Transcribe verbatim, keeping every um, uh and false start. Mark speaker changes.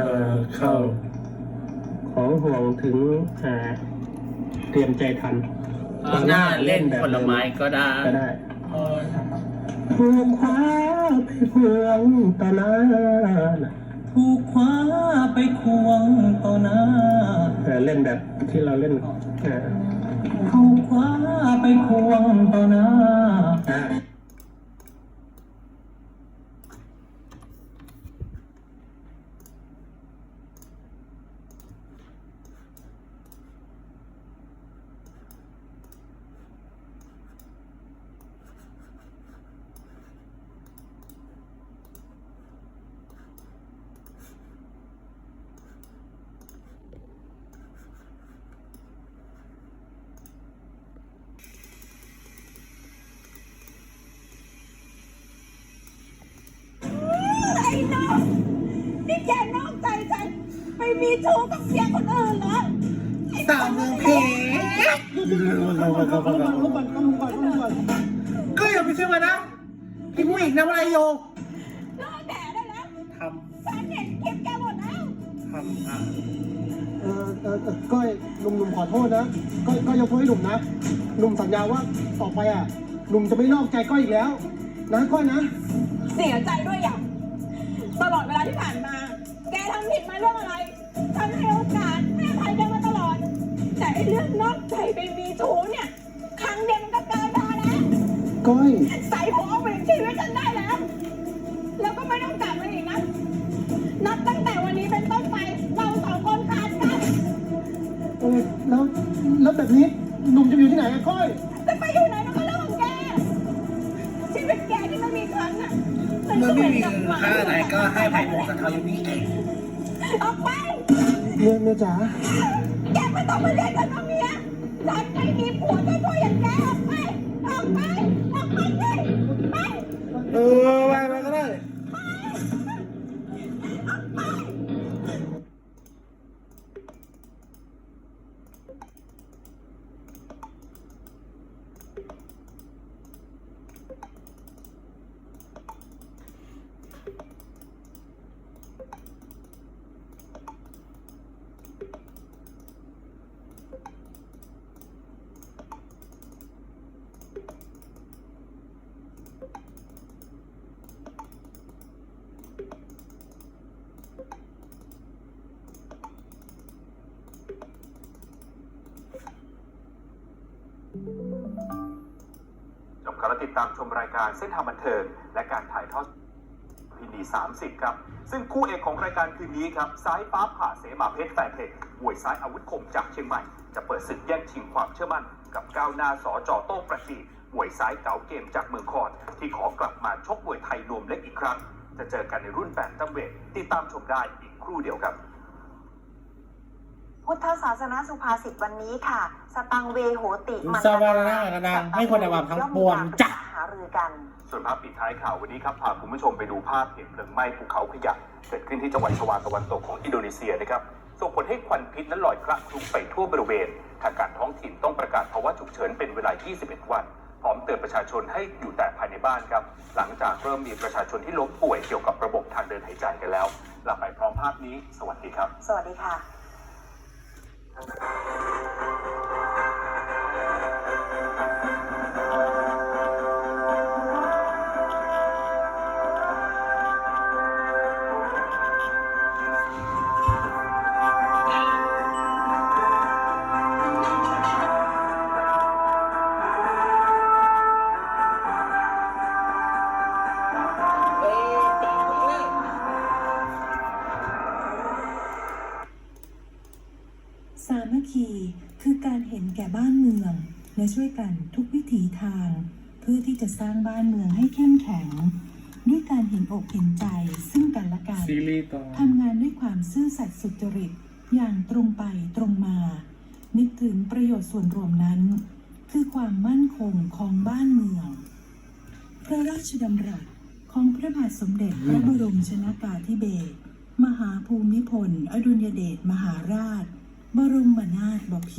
Speaker 1: เข้าของห่วงถึงเตรียมใจทัน
Speaker 2: หน้าเล่นผลไม้ก็ได้
Speaker 1: ก็ได้ถูกคว้าไปพวงต่อหน้า
Speaker 3: ถูกคว้าไปควงต่อหน้า
Speaker 1: เล่นแบบที่เราเล่น
Speaker 3: ถูกคว้าไปควงต่อหน้า
Speaker 4: นี่แกนอกใจฉันไปมีชู้กับเสียคนอื่นเหรอ
Speaker 2: สาวเมืองเพชรก็อย่าไปเชื่อมันนะพี่ผู้หญิงทำอะไรอยู่
Speaker 4: เลิกแดดได้แล้ว
Speaker 2: ทำ
Speaker 4: ฉันเห็นคลิปแกหมดแล้ว
Speaker 2: ทำอ่ะ
Speaker 1: เออเออก้อยหนุ่มๆขอโทษนะก้อยก้อยยกโทษให้หนุ่มนะหนุ่มสัญญาว่าต่อไปอ่ะหนุ่มจะไม่นอกใจก้อยอีกแล้วนะก้อยนะ
Speaker 4: เสียใจด้วยอย่างตลอดเวลาที่ผ่านมาแกทำผิดมาเรื่องอะไรฉันให้โอกาสให้อภัยแกมาตลอดแต่ไอ้เรื่องนอกใจไปมีชู้เนี่ยครั้งเดียวมันก็เกินพอแล้ว
Speaker 1: ก้อย
Speaker 4: ใส่หัวเอาไปชีวิตฉันได้แล้วแล้วก็ไม่ต้องกลับมาอีกนะนับตั้งแต่วันนี้เป็นต้นไปเราสองคนขาดกัน
Speaker 1: เออแล้วแล้วแบบนี้หนุ่มจะอยู่ที่ไหนอะก้อย
Speaker 4: จะไปอยู่ไหนมันก็เรื่องของแกชีวิตแกที่มันมีครั้งอะ
Speaker 2: เมื่อไม่มีค่าไหนก็ให้ไผ่พงศธรนี้เอง
Speaker 4: ออกไป
Speaker 1: เมียเมียจ๋า
Speaker 4: แกไม่ต้องมาเรียกฉันว่าเมียฉันไม่มีผัวเจ้าตัวอย่างแกออกไปออกไปออกไปเลยไป
Speaker 2: เออไปไปก็ได้
Speaker 5: จบการติดตามชมรายการเส้นทางบันเทิงและการถ่ายทอดพินีสามสิบครับซึ่งคู่เอกของรายการคืนนี้ครับซ้ายฟ้าผ่าเสมาเพชรแฟนเทคมวยซ้ายอาวุธคมจากเชียงใหม่จะเปิดศึกแย่งชิงความเชื่อมั่นกับก้าวหน้าสอจอโต้ประสีมวยซ้ายเก๋าเกมจากเมืองคอนที่ขอกลับมาชกมวยไทยรวมเล็กอีกครั้งจะเจอกันในรุ่นแบนตัมเวทติดตามชมได้อีกครู่เดียวครับ
Speaker 6: พุทธศาสนาสุภาษิตวันนี้ค่ะสตังเวโหติ
Speaker 2: มันสวรรค์กระดังให้คนในวังทั้งปวงจัก
Speaker 6: หารือกัน
Speaker 5: ส่วนภาพปิดท้ายข่าววันนี้ครับพาคุณผู้ชมไปดูภาพเหตุเพลิงไหม้ภูเขาขยะเกิดขึ้นที่จังหวัดชวาตะวันตกของอินโดนีเซียนะครับส่งผลให้ควันพิษนั้นลอยคละคลุ้งไปทั่วบริเวณทางการท้องถิ่นต้องประกาศภาวะฉุกเฉินเป็นเวลายี่สิบเอ็ดวันพร้อมเตือนประชาชนให้อยู่แต่ภายในบ้านครับหลังจากเริ่มมีประชาชนที่ล้มป่วยเกี่ยวกับระบบทางเดินหายใจกันแล้วลาไปพร้อมภาพนี้สวัสดีครับ
Speaker 6: สวัสดีค่ะ
Speaker 7: สามัคคีคือการเห็นแก่บ้านเมืองและช่วยกันทุกวิถีทางเพื่อที่จะสร้างบ้านเมืองให้เข้มแข็งด้วยการเห็นอกเห็นใจซึ่งกันและกันทำงานด้วยความซื่อสัตย์สุจริตอย่างตรงไปตรงมานึกถึงประโยชน์ส่วนรวมนั้นคือความมั่นคงของบ้านเมืองพระราชดำรัสของพระบาทสมเด็จพระบรมชนกาธิเบศรมหาภูมิพลอดุลยเดชมหาราชบรมนาถบพิตร